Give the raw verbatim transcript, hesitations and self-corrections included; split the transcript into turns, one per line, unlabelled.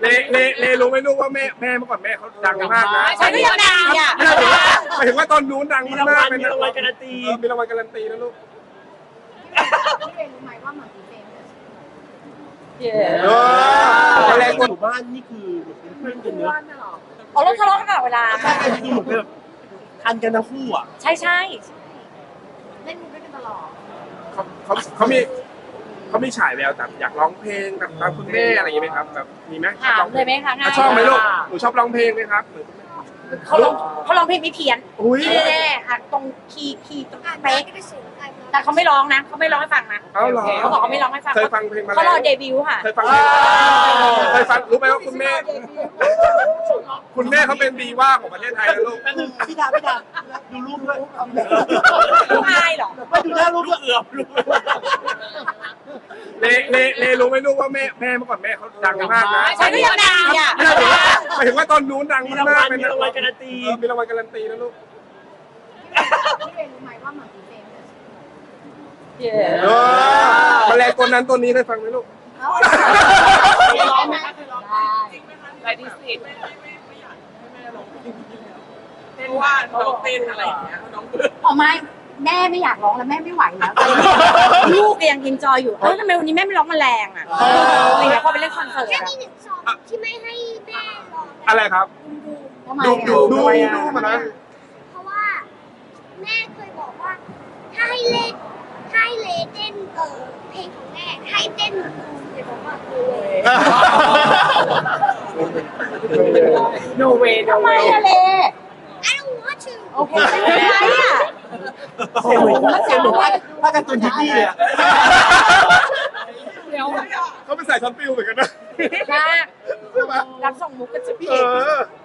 เลเลเลรู้ไหมลูกว่าแม่แม่เมื่อก่อนแม่เขาดังมากนะ
ฉันก็ยังดังอ่ะ
หมายถึงว่าตอนนู้นดัง
มีราง
มา
วั
ก
ล
เป็น
มีรางวัลการันตี
มีรางวัลการันตีนะลูก
พี่เรนรู้ไหมว่าหมามีเฟมเนี่ย
เออแร
แร
ก
ก
คน
หมู่บ้านนี่คือเพื่อนกันเนอะ
เอารถทะเลาะกันตลอดเวลา
ใช่คือเหมือนแบบทันกันทั้งคู่อ่ะ
ใช่ใช่
เล่นมุกด้วยกันตลอด
เขาเขาเขามีเขามีฉายแววแบบอยากร้องเพลงแบบตามคุณแม่อะไรอย่างงี้ไหมครับแบบมีไหม
ถามเลยไหมคะง่าย
ชอบไหมลูกหนูชอบร้องเพลงไหมครับ
เขาร้องเขาร้องเพลงไม่เพี้ยน
อุ้ย
แน่ๆหักตรงคีย์คีย์ตรง
อ่าน
เป๊ะ
ก็ได้สูงอ่าน
แต่เขาไม่ร้องนะเขาไม่ร้องให้ฟังนะ
เอาเหรอ
เขาบอกเขาไม่ร้องให้ฟัง
เคยฟังเพลงมา
เขา
แล้
รอ
ว
เดบิวต์ค่ะ
เคยฟังเพลงเคยฟังรู้ไหมว่าคุณแม่ คุณแม่เขาเป็นดีว่าของประเทศไทยนะลูก
แป๊บนึงพี่ดาพี่ดาดูรูปด้วย
ลูกอายเหรอ
ไม่ดูหน้ารูปด้วยเอือบรูป
เลเลเลรู้ไหมลูกว่าแม่แม่เมื่อก่อนแม่เขาดังมากนะ
ฉันก็ยังดังอ่ะ
หมายถึงว่าตอนนู้นดัง
มีราง
มา
วั
ก
ล
เป็น
มีรางวัลการันตี
เออมีรางวัลการันตีนะลูก
พี่เรนรู้ไหมว่าหมามีเฟมเนี่ย
เออมาแรงตัวนั้นตัวนี้เคยฟังไหมลูก
ร้องไหมได้
ไรที่สิบเต้นว่าน้องเต้นอะไรอย่างเงี้ยน้องเบื่อ
อ๋อไม่แม่ไม่อยากร้องแล้วแม่ไม่ไหวแล้ว
ลูกยังกินจอยอยู่เออทำไมวันนี้แม่ไม่ร้องแมลงอ่ะอะไรเงี้ยพอไปเล่นคอนเสิร์ต
แค่
อะ
มีหนึ่งซองที่ไม่ให้แม่ร้อง
อะไรครับ
ทำไม
ดู
อ่ะ
ดูดูดูมานะ
เพราะว่าแม่เคยบอกว่า ถ้าให้เล่นถ้าให้เลเต้นเออเพลงของแม่ให้เต้นดูเลยบอกว่าดูเลย
โนเวโน
ทำไม
เว
อะเล
I don't want to
โอเคไม่เป็นไรอ่ะ
เสียงเหมือนเสียงเหมือนว่าว่าการ์ตูนดิสนีย์เลยอะ
เดี๋ยว
เขาเป็นสายช็อตฟิลเหมือนกันนะ
มากรับส่งมุกกันจะพี่
เออ